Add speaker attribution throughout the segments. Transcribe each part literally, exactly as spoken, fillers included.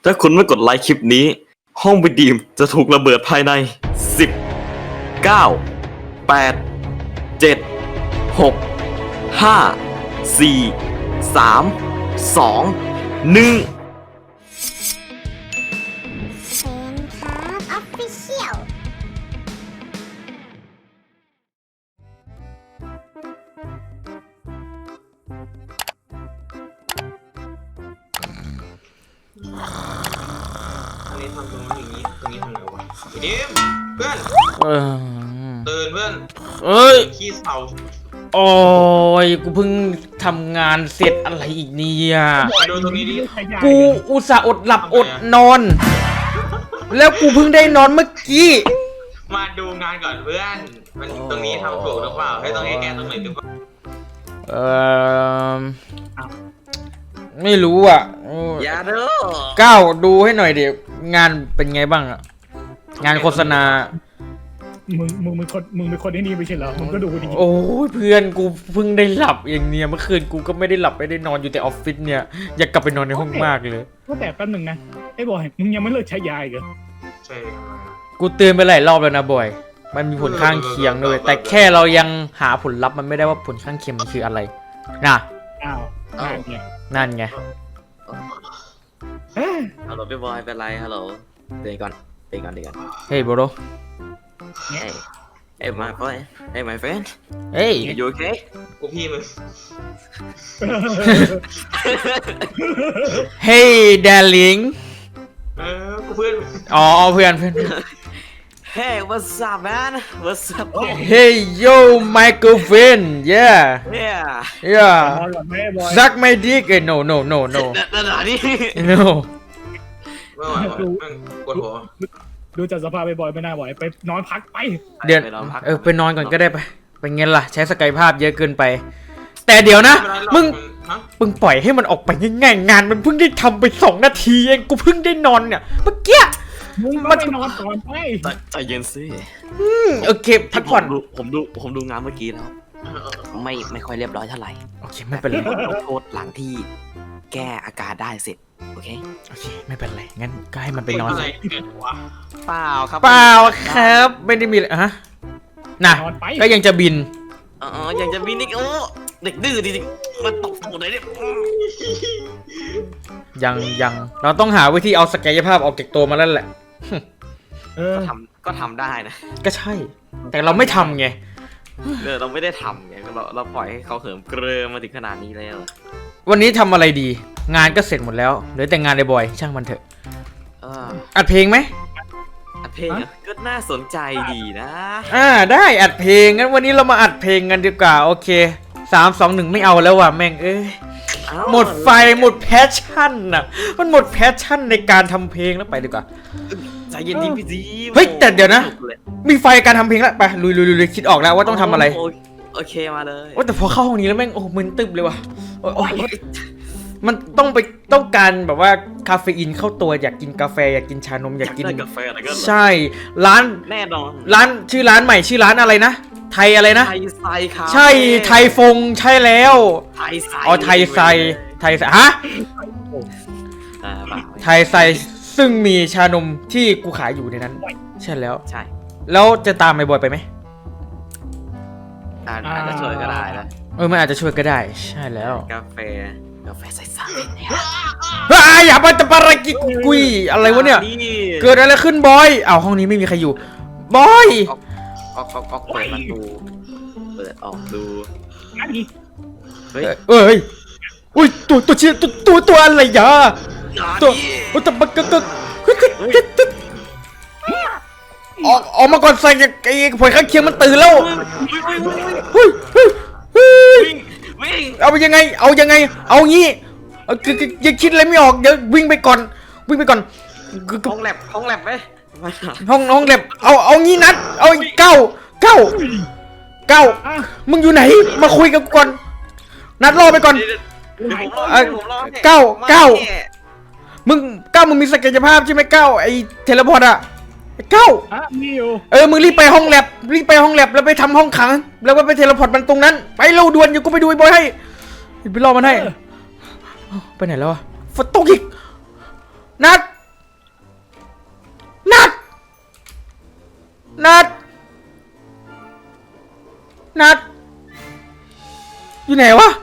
Speaker 1: ถ้าคุณไม่กดไลค์คลิปนี้ห้องวิดีมจะถูกระเบิดภายในสิบ เก้า แปด เจ็ด หก ห้า สี่ สาม สอง หนึ่ง
Speaker 2: เซนครับออฟฟิเชียล
Speaker 3: อันนี้ทำตรงนี้อย่างนี้ตรงนี้ทำไงวะไอ้ดิมเพื่อน
Speaker 4: เออ
Speaker 3: ตื่นเพื่อน
Speaker 4: เอ้ย
Speaker 3: ขี้เศร้า
Speaker 4: โอ้ยกูเพิ่งทำงานเสร็จอะไรอีกเนี่ย
Speaker 3: มาดูตรงนี้ดิ
Speaker 4: กูอุตส่าห์อดหลับอดนอน แล้วกูเพิ่งได้นอนเมื่อกี้
Speaker 3: มาดูงานก่อนเพื่อนมันตรงนี้ทำถูกหรือเปล่าให้ตรงนี้แกตรงไหนหรือเปล่า
Speaker 4: เออไม่รู้อ่ะ
Speaker 1: อย่าเด้อ
Speaker 4: ก้าวดูให้หน่อยเดี๋ยวงานเป็นไงบ้างอ่ะ งานโฆษณา
Speaker 5: มึงมึงเป็นคนมึงเป็นคนที่นี่ไม่ใช่เหรอมึงก็ดูดี
Speaker 4: โอ้ยเพื่อนกูเพิ่งได้หลับเองเนี่ยเมื่อคืนกูก็ไม่ได้หลับไม่ได้นอนอยู่แต่ออฟฟิศเนี่ยอยากกลับไปนอนในห้องมากเลย
Speaker 5: ก็แต่แป๊บหนึ่งนะไอ้บอยมึงยังไม่เลิกใช้ยาอีกเหรอ
Speaker 3: ใช่
Speaker 4: กูเตือนไปหลายรอบแล้วนะบอยมันมีผลข้างเคียงด้วยแต่แค่เรายังหาผลลัพธ์มันไม่ได้ว่าผลข้างเคียงมันคืออะไรนะ
Speaker 5: อ้าวอ้าวเนี่ย
Speaker 4: นั่นไง
Speaker 5: เอ้ย
Speaker 1: ฮัลโหลพี่บอยเป็นไรฮัลโหลเดี๋ยวก่อนเดี๋ยวก่อนเดี๋ยวก่อน
Speaker 4: เฮ้ยโบโร
Speaker 1: เฮ้ยเฮ้ย my boy hey my friend
Speaker 4: เฮ้ย
Speaker 1: you okay
Speaker 3: กูพี่มึง
Speaker 4: เฮ้ยดาริง
Speaker 3: เออกูเพื่อนมึง
Speaker 4: อ๋อเพื่อนเพื่อน
Speaker 1: hey what's up man what's up
Speaker 4: เฮ้ยโย่ my girlfriend yeah
Speaker 1: yeah
Speaker 4: yeah
Speaker 5: นอนก่อนไหมไอ้บอย
Speaker 4: suck my dick เอ้ย no no no no
Speaker 1: นั่นนี่
Speaker 4: no
Speaker 3: ไม่ไหววะแม่งปวดหัว
Speaker 5: ดูจากสภาพไอ้บอยไม่น่าไหวไปนอนพักไป
Speaker 4: เดี๋ยว
Speaker 1: ไปนอนพัก
Speaker 4: เออไปนอนก่อนก็ได้ไปเป็นไงล่ะใช้สกายภาพเยอะเกินไป แต่เดี๋ยวนะมึง
Speaker 3: ฮะ
Speaker 4: มึงปล่อยให้มันออกไปง่ายๆงานมันเพิ่งได้ทำไปสองนาทีเองกูเพิ่งได้นอนเนี่ยเมื่อกี้
Speaker 5: มึง
Speaker 4: มั
Speaker 5: ก็
Speaker 4: น
Speaker 5: ไปนอนก่อนไป
Speaker 1: ใจใจเย็นสิ
Speaker 4: อืมโอเคพักผ่อน
Speaker 1: ผมดูผมดูผมดูงานเมื่อกี้แล้วไม่ไม่ค่อยเรียบร้อยเท่าไหร่
Speaker 4: โอเคไม่เป็นไร
Speaker 1: ลงโทษหลังที่แก้อาการได้เสร็จโอเค
Speaker 4: โอเคไม่เป็นไรงั้นก็ให้มันไปนอน
Speaker 3: อะไร
Speaker 4: สิ
Speaker 3: เกิดวะ
Speaker 1: เปล่าครับ
Speaker 4: เปล่าครับไม่ได้มีอะไรฮะน่ะ
Speaker 5: นอนไป
Speaker 4: ก็ยังจะบิน
Speaker 1: อ๋อยังจะมีนิกโอ้เด็กดื้อจริงๆมันตกตูดเลยเนี่ย
Speaker 4: ยังยังเราต้องหาวิธีเอาศักยภาพออกจากตัวมาแล้วแหละ
Speaker 5: เออ
Speaker 1: ทำก็ทำได้นะ
Speaker 4: ก็ใช่ แต่เราไม่ทำไง
Speaker 1: เออเราไม่ได้ทำไงเราเราปล่อยให้เขาเหิมเกริมมาถึงขนาดนี้แล้ว
Speaker 4: วันนี้ทำอะไรดี งานก็เสร็จหมดแล้วเหลือแต่งานในบอยช่างมันเถอะ
Speaker 1: เออ
Speaker 4: อัดเพลงไหม
Speaker 1: อัดเพลงอะก็น่าสนใจดีนะ
Speaker 4: อ่าได้อัดเพลงงั้นวันนี้เรามาอัดเพลงกันดีกว่าโอเคสามสองหนึ่งไม่เอาแล้วว่ะแม่งเอ้ย
Speaker 1: เอ้า
Speaker 4: หมดไฟหมดแพชชั่นน่ะมันหมดแพชชั่นในการทำเพลงแล้วไปดีกว่า
Speaker 1: ใจเย็นดีพี่ดี
Speaker 4: เฮ้ยแต่เดี๋ยวนะ มีไฟการทำเพลงแล้วไปลุยลุยลุยคิดออกแล้วว่าต้องทำอะไร
Speaker 1: โโอเคมาเลย
Speaker 4: โอ้แต่พอเข้าห้องนี้แล้วแม่งโอ้มึนตึบเลยว่ะโอ้ยโอ้ยมันต้องไปต้องการแบบว่าคาเฟอีนเข้าตัวอยากกินกาแฟอยากกินชานมอยากกิน
Speaker 1: ได้กาแฟอะไรก็
Speaker 4: ใช่ร้าน
Speaker 1: แน่นอน
Speaker 4: ร้านชื่อร้านใหม่ชื่อร้านอะไรนะไทยอะไรนะ
Speaker 1: ไทยไซครับ
Speaker 4: ใช่ไทยฟงใช่แล้ว
Speaker 1: ไทยไซ
Speaker 4: อ๋อไทยไซไทยไซฮะ
Speaker 1: อ่าเปล่า
Speaker 4: ไทยไซซึ่งมีชานมที่กูขายอยู่ในนั้น ใช่แล้ว
Speaker 1: ใช่
Speaker 4: แล้วจะตามไอ้บอยไปไหม
Speaker 1: อาอาจจะช่วยก็ได้นะ
Speaker 4: เออมันอาจจะช่วยก็ได้ ใช่แล้ว
Speaker 1: กาแฟกาแฟใส่ๆเนี่ย
Speaker 4: ว้าอย่ามาจะปารากิกุยอะไรวะเนี่ย เกิดอะไรขึ้นบอยอ้าวห้องนี้ไม่มีใครอยู่บอย
Speaker 1: ออกออกออกออกเปิดประตูเปิดออกดู
Speaker 5: นั่นอีก
Speaker 1: เฮ้ย
Speaker 4: เอ้ยอุ้ยตัวตัวเชี่ยตัวตัวตัวอะไรยะตัวตัวตะบักกะกะออกออกมาก่อนใส่ไอ้ผลข้างเคียงมันตื่นแล้วเฮ้ยเฮ้ยเฮ้ย
Speaker 1: วิ่งวิ่ง
Speaker 4: เอายังไง เอายังไง เอางี้เอาคือคือยังคิดอะไรไม่ออกเดี๋ยววิ่งไปก่อน วิ่งไปก่อน
Speaker 1: ห้องแลบห้องแลบไหม
Speaker 4: ห้องห้องเล็บเอาเอางี้นัด เอาเก้าเก้าเก้ามึงอยู่ไหน มาคุยกับกูก่อน นัดรอไปก่อน เก้าเก้า มึงเก้ามึงมีศักยภาพใช่ไหมเก้าไอ้เทเลพอร์ตอะไอ้เก้า
Speaker 5: อ่ะมีอยู่
Speaker 4: เออมึงรีบไปห้องแลบรีบไปห้องแลบแล้วไปทำห้องขัง แล้วก็ไปเทเลพอร์ตมันตรงนั้น ไปเร็วด่วนอยู่กูไปดูไอ้บอยให้ไปรอมันให้ไปไหนแล้วอะฝนตกอีกนัดนัดนัดอยู่ไหนวะ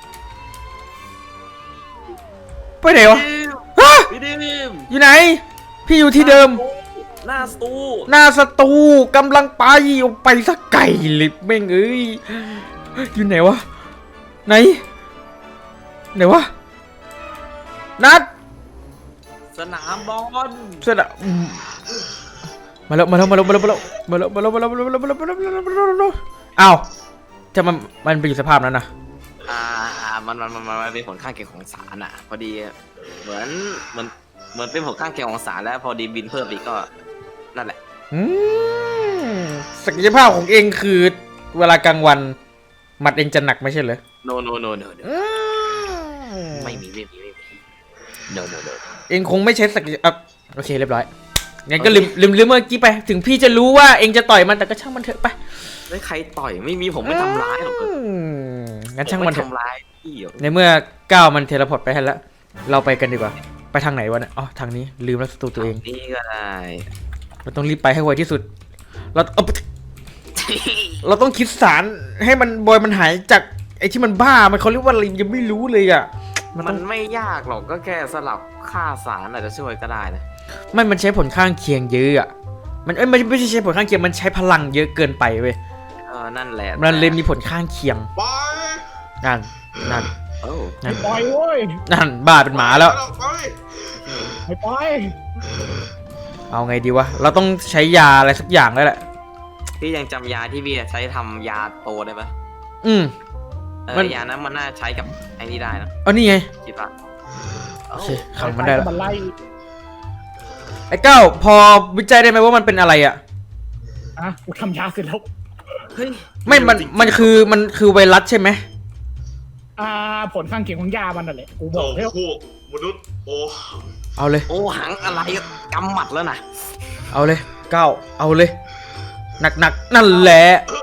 Speaker 4: ไปไหนวะฮะ
Speaker 1: พี่ดิม
Speaker 4: อยู่ไหน พี่อยู่ที่เดิม
Speaker 1: หน้าสตู
Speaker 4: หน้าสตูกำลังไปออกไปสักไก่ลิบแม่งเอ้ยอยู่ไหนวะไหนไหนวะนัด
Speaker 1: สนามบอล
Speaker 4: เสร็จอะอืมมาแล้วมาแล้วมาแล้วมาแล้วมาแล้วมาแล้วมาแล้วมาแล้วมาแล้วมาแล้วมาแล้วมาแล้วมาแล้วมาแล้วอ้าวจะมันมันไปอยู่สภาพนั้นนะ
Speaker 1: อ่ามันมันมันมันเป็นผลข้างเคียงของสารอ่ะ พอดีเหมือนเหมือนเหมือนเป็นผลข้างเคียงของสารแล้วพอดีบินเพิ่มอีกก็นั่นแหละ
Speaker 4: อืมศักยภาพของเองคือเวลากลางวันหมัดเองจะหนักไม่ใช่เหรอ
Speaker 1: โนโนโนโน
Speaker 4: อืม
Speaker 1: ไม่มีไม่มีไม่มีโนโนโน
Speaker 4: เองคงไม่ใช้ศักยภาพโอเคเรียบร้อยงั้นก็ลืมลืมลืมเมื่อกี้ไปถึงพี่จะรู้ว่าเองจะต่อยมันแต่ก็ช่างมันเถอะไป
Speaker 1: ไม่ใครต่อยไม่มีผมไม่ทำร้ายหรอก
Speaker 4: อืมงั้นช่างมันเถ
Speaker 1: ไทำ
Speaker 4: อะ
Speaker 1: ร้ายพี่หรอก
Speaker 4: ในเมื่อก้าวมันเทเลพอร์ตไปให้แล้วเราไปกันดีกว่าไปทางไหนวะเนี่ยอ๋อทางนี้ลืมแล้วสตูตัวเอง
Speaker 1: นี่ก็ได้
Speaker 4: เราต้องรีบไปให้ไวที่สุดเราเอาเราต้องคิดสารให้มันบอยมันหายจากไอ้ที่มันบ้ามันเขาเรียกว่าอะไรยังไม่รู้เลยอ่ะมัน
Speaker 1: มั
Speaker 4: ต้อน ง
Speaker 1: ไม่ยากหรอกก็แค่สลับค่าสารอาจจะช่วยก็ได้นะ
Speaker 4: ไม่มันใช้ผลข้างเคียงเยอะอ่ะมันเอ้ยไม่ไม่ใช่ใช้ผลข้างเคียงมันใช้พลังเยอะเกินไปเว้ย
Speaker 1: เออนั่นแหละ
Speaker 4: มันเลยมีผลข้างเคียง
Speaker 3: ไป
Speaker 4: นั่นนั่น
Speaker 1: โอ้
Speaker 4: นั่น
Speaker 5: ปล่อยเว้ย
Speaker 4: นั่นบ้าเป็นหมาแล้ว
Speaker 3: ไป
Speaker 5: ไม่ปล่อย
Speaker 4: เอาไงดีวะเราต้องใช้ยาอะไรสักอย่างแล้วแหละ
Speaker 1: พี่ยังจำยาที่พี่ใช้ทำยาโตได้ปะ
Speaker 4: อืม
Speaker 1: เอ
Speaker 4: มัน
Speaker 1: อยานั้นมันน่าใช้กับไอ้นี่ได้นะ
Speaker 4: เอานี่ไง
Speaker 1: คิดว่า
Speaker 4: โอเคขังมันได้แล้ว
Speaker 5: มันไล่
Speaker 4: ไอ้เก้าพอวิจัยได้ไหมว่ามันเป็นอะไรอ่ะ
Speaker 5: อ่ะกูทำยาเสร็จแล้ว
Speaker 1: เฮ้ย
Speaker 4: ไม่มันมันคือมันคือไวรัสใช่ไหม
Speaker 5: อ่าผลข้างเคียงของยามันนั่นแหละกูบ
Speaker 3: โอ้
Speaker 5: อกแล้ว
Speaker 3: โหมนุษย์โอ้
Speaker 4: เอาเลย
Speaker 1: โอ้หังอะไรกำหมัดแล้วนะ
Speaker 4: เอาเลยเก้าเอาเลยหนักหนักๆนั่นแหละ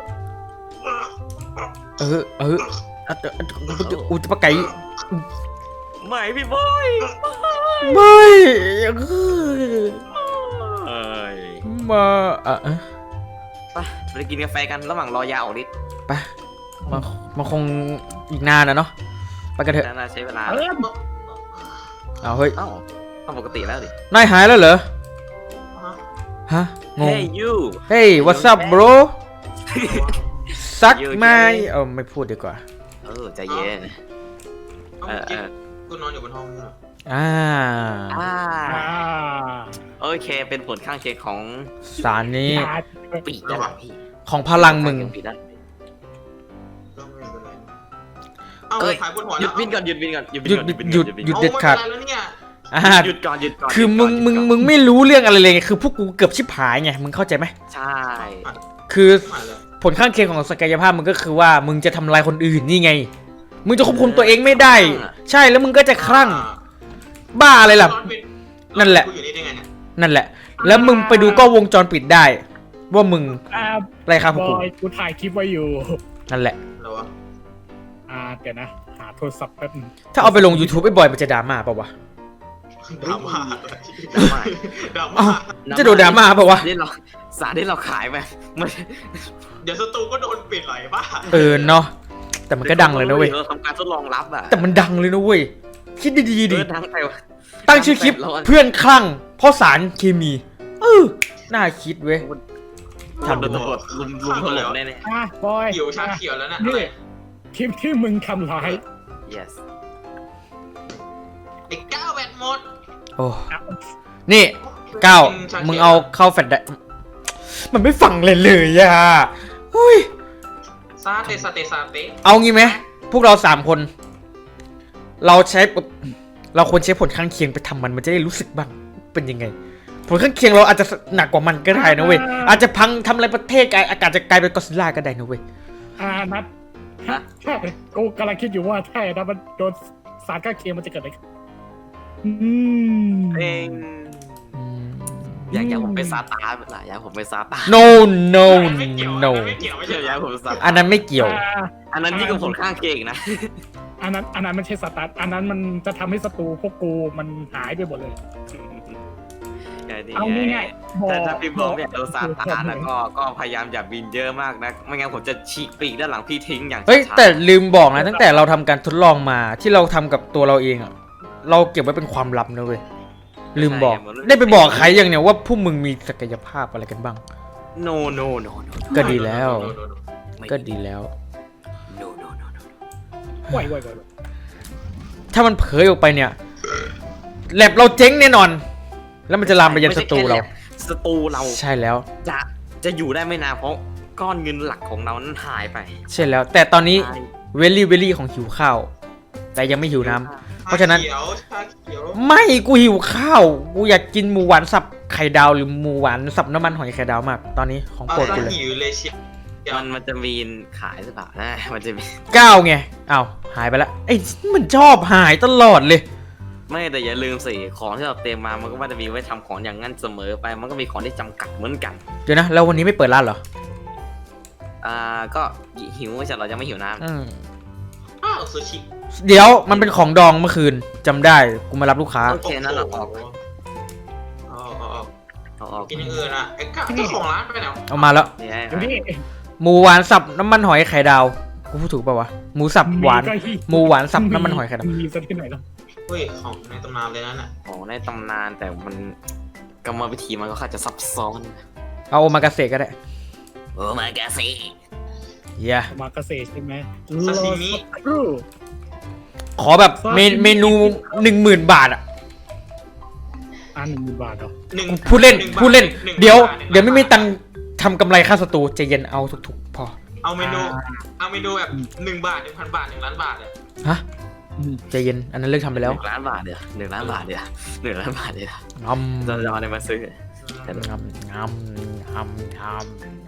Speaker 4: เออเอออะเอออุจปะไก่
Speaker 1: ไม่พี่บอย
Speaker 4: ไม่เออ
Speaker 1: เอ้ย
Speaker 4: มาอ่ะเออ
Speaker 1: ไปไปกินกาแฟกันระหว่างรอยาออกฤทธิ์
Speaker 4: ไปมามาคงอีกนานนะเนาะไปกันเถอะ
Speaker 1: น่าใช้เวลา
Speaker 5: เออ
Speaker 4: เอาเฮ้ย
Speaker 1: เอ้าต้องปกติแล้วดิ
Speaker 4: นายหายแล้วเหรอฮะงง
Speaker 1: เฮ้ยยู
Speaker 4: เฮ้ย what's up bro ซักไหมเออไม่พูดดีกว่า
Speaker 1: เออใจเย็น
Speaker 3: เมื่อกี้กูนอนอยู่บนห้องนี่เหรอ
Speaker 4: อ่า
Speaker 1: อ่า
Speaker 5: อ่า
Speaker 1: โอเคเป็นผลข้างเคียงของ
Speaker 4: สารนี้
Speaker 5: ยา
Speaker 1: ปีกด้านหลังพี่
Speaker 4: ของพลังมึง
Speaker 1: ปีกด้าน
Speaker 3: ก็ไม่เป็นไรเอา
Speaker 1: เอ้ย
Speaker 3: ถ่ายบนหัว
Speaker 1: หยุดบินก่อนหยุดบินก่อนหยุดบิน
Speaker 4: หยุด
Speaker 1: ก่อน
Speaker 4: หยุด
Speaker 1: บิน
Speaker 4: หยุ
Speaker 1: ก่อน
Speaker 4: เด็ดขาด
Speaker 3: เอาไม่เป็นไรแล้วเนี่ย
Speaker 4: อ่า
Speaker 1: หยุดก่อนหยุดก่อน
Speaker 4: คือมึง
Speaker 1: หยุดก่น
Speaker 4: มึง
Speaker 1: หยุดก่อน
Speaker 4: มึงไม่รู้เรื่องอะไรเลยไงคือพวกกูเกือบชิบหายไงมึงเข้าใจไหม
Speaker 1: ใช่
Speaker 4: คือ
Speaker 3: มาเลย
Speaker 4: ผลข้างเคียงของศักยภาพมึงก็คือว่ามึงจะทำลายคนอื่นนี่ไง มึงจะควบคุมตัวเองไม่ได้ ใช่แล้วมึงก็จะคลั่งบ้าอะไรล่ะ นั่นแหละ
Speaker 3: กูอยู่นี่ได้ไงเนี่ย
Speaker 4: นั่นแหละ แล้วมึงไปดูกล้องวงจรปิดได้ ว่ามึง
Speaker 5: อ่า
Speaker 4: ไรครับพวก
Speaker 5: บ
Speaker 4: กู
Speaker 5: อยกูถ่ายคลิปไว้อยู่
Speaker 4: นั่นแหละ
Speaker 3: เหรอวะ
Speaker 5: อ่าเดี๋ยวนะ หาโทรศัพท์แป๊บนึง
Speaker 4: ถ้าเอาไปลง YouTube ไอ้บอยมันจะดราม่าป่าวะ
Speaker 3: ดราม่า
Speaker 1: ดราม่า
Speaker 3: ดรา
Speaker 4: อ้า
Speaker 3: ม่าว
Speaker 4: จะโดนดราม่าป่าวะ
Speaker 1: ที่เราสารที่เราขายไปมัน
Speaker 3: เดี๋ยวสตูก็โดนปิดไหลบ้า
Speaker 4: เออเนาะแต่มันก็ดังเลยนะเว้ย
Speaker 1: เราทำการทดลองรับอ่ะ
Speaker 4: แต่มันดังเลยนะเว้ยคิดดีๆ
Speaker 1: เอ
Speaker 4: ดิ
Speaker 1: อดังไปวะ
Speaker 4: ตั้งชื่อคลิป
Speaker 1: ดังไป
Speaker 4: เพื่อนคลั่งเพราะสารเคมีเออน่าคิดเว้ย ทำ
Speaker 1: โดนตำรวจลุมลุมถล่มแน่
Speaker 5: อ่ะบอย
Speaker 3: เขียวชาเขียวแล้วนะ
Speaker 5: นี่
Speaker 3: อะไร
Speaker 5: คลิปที่มึงทำร้าย
Speaker 1: ๆ yes
Speaker 3: ไอ้ก้าวแบตหมด
Speaker 4: โอ้นี่ก้าวมึงเอาเข้าแฟลชได้มันไม่ฟังเลยเลยอ่ะอุ้ย
Speaker 3: ซาเตซาเตซาเต
Speaker 4: เอางี้ไหมพวกเราสามคน เราใช้ปุ๊บเราควรใช้ผลข้างเคียงไปทำมันมันจะได้รู้สึกบ้างเป็นยังไง ผลข้างเคียงเราอาจจะหนักกว่ามันก็ได้นะเว้ยอาจจะพังทำอะไรประเทศกายอากาศจะกลายเป็นกอดซิลล่าก็ได้นะเว้ย
Speaker 5: อ่านัดใช่กูกำลังคิดอยู่ว่าถ้านะมันโดนสารข้างเคียงมันจะเกิดอะไรขึ้นอืม
Speaker 1: เอง
Speaker 4: อืม
Speaker 1: อยากอยากผมเป็นซาตานล่ะอยากผมเป็นซาตาน
Speaker 4: no no
Speaker 3: ไม่เกี่ยว
Speaker 4: no
Speaker 3: ไม่เกี่ยวไม่
Speaker 1: ไม่
Speaker 3: ใช่
Speaker 1: ใช่อยากผมเป็นซา
Speaker 4: อั
Speaker 1: ตาน
Speaker 4: นั้นไม่เกี่ยว
Speaker 5: อ่า
Speaker 1: อันนั้นยิ่งกับผลข้างเคียงอีกนะ
Speaker 5: อันนั้นอันนั้นมันใช่สตาร์ทอันนั้นมันจะทำให้ศัตรูพวกกูมันหายไปหมดเลย
Speaker 1: ไงดี
Speaker 5: เอา
Speaker 1: ไง
Speaker 5: ง่ายๆบอก
Speaker 1: แต่ถ้าพี่บอกเนี่ยโดนซาตานแล้วก็ก็พยายามอย่าบินเยอะมากนะไม่งั้นผมจะฉีกปีกด้านหลังพี่ทิ้งอย่าง
Speaker 4: เฮ้ย
Speaker 1: ช้าๆ
Speaker 4: แต่ลืมบอกนะตั้งแต่เราทำการทดลองมาที่เราทำกับตัวเราเองอะเราเก็บไว้เป็นความลับนะเว้ยลืมบอกได้ไปบอกใครยังเนี่ยว่าพวกมึงมีศักยภาพอะไรกันบ้าง
Speaker 1: no no no no
Speaker 4: ก็ดีแล้ว
Speaker 1: ไม่
Speaker 4: ก็ดีแล้ว
Speaker 1: no no no no
Speaker 5: ไหวไหวไหว
Speaker 4: ถ้ามันเผยออกไปเนี่ยแลบเราเจ๊งแน่นอน แล้วมันจะลามไปยันศัตรูเรา
Speaker 1: ศัตรูเรา
Speaker 4: ใช่แล้ว
Speaker 1: จะจะอยู่ได้ไม่นานเพราะก้อนเงินหลักของเรานั้นหายไป
Speaker 4: ใช่แล้ว แต่ตอนนี้เวลี่เวลี่ของหิวข้าว แต่ยังไม่หิวน้ำเพราะฉะนั้น
Speaker 3: ชเขียวชาเขียว
Speaker 4: ไม่กูหิวข้าวกูอยากกินหมูหวานสับไข่ดาวหรือหมูหวานสับน้ำมันหอยไข่ดาวมาก ตอนนี้ของ
Speaker 3: เอา
Speaker 4: โปรด
Speaker 3: ซะ
Speaker 4: กูเลย
Speaker 3: หิวเลยเชียว
Speaker 1: มันมันจะมีขายหรือเปล่านะมันจะมี
Speaker 4: เก้าไงอ้าวหายไปละไอ้มันชอบหายตลอดเลย
Speaker 1: ไม่แต่อย่าลืมสิของที่เราเตรียมมามันก็ว่าจะมีไว้ทำของอย่างนั้นเสมอไปมันก็มีของที่จำกัดเหมือนกัน
Speaker 4: เดี๋ยวนะแล้ววันนี้ไม่เปิดร้านเหรอ
Speaker 1: อ่าก็หิวไม่ใช่เรายังไม่หิวน้ำ
Speaker 4: อืม
Speaker 3: อ้าวซูชิ
Speaker 4: เดี๋ยวมันเป็นของดองเมื่อคืนจำได้กูมารับลูกค้า
Speaker 1: โอเคนั่นเราออก
Speaker 3: เอาเอาเอา
Speaker 1: เอาออก
Speaker 3: กินอย่างอื่นอ่ะไอ้ก้าเจ้าของร้านไปไหนวะ
Speaker 4: เอามาแล้ว
Speaker 1: นี่
Speaker 5: เดี๋ยวนี้
Speaker 4: หมูหวานสับน้ำมันหอยไข่ดาวกูพูดถูกป่าวะหมูสับหวานหมูหวานสับน้ำมันหอยไข่ดาว
Speaker 5: มีสักที่ไหนแล้ว
Speaker 3: เฮ้ยของในตำนานเลยนั่นน่ะ
Speaker 1: ของในตำนานแต่มันกรรมวิธีมันก็ค่อนข้างจะซับซ้อน
Speaker 4: เอาโอมากาเสะก็ได้
Speaker 1: โอ้มากาซี
Speaker 4: เย้
Speaker 5: มาเกษตรใช่ไหม
Speaker 3: ซาซิมิ
Speaker 5: ครู
Speaker 4: ขอแบบเมนเมนูหนึ่งหมื่นบาทอ่ะ
Speaker 5: อ่าหนึ่งหมื่นบาทเหรอ
Speaker 3: หนึ่ง
Speaker 4: พูดเล่น
Speaker 3: หงบาท
Speaker 4: พูดเล่น
Speaker 3: หง
Speaker 4: เดี๋ยว
Speaker 3: บาทหนึ่ง
Speaker 4: เดี๋ยวไม่มี
Speaker 3: บาท
Speaker 4: ตังค์ทำกำไรค่าสตูใจเย็นเอาถูกๆพอ
Speaker 3: เอาเมนูเอาเมนูแบบหนึ่งบาทหนึ่งพันบาทหนึ่งล้านบาทเลย
Speaker 4: ฮะใจเย็นอันนั้นเลิกทำไป
Speaker 1: ห
Speaker 4: แล้ว
Speaker 1: นึ่งล้านบาทเดียวหนึ่งล้านบาทเดียวหนึ่งล้านบาทเดียว
Speaker 4: งำ
Speaker 1: จะจะเอาอะไรมาซื้อ
Speaker 4: งำงำงำงำ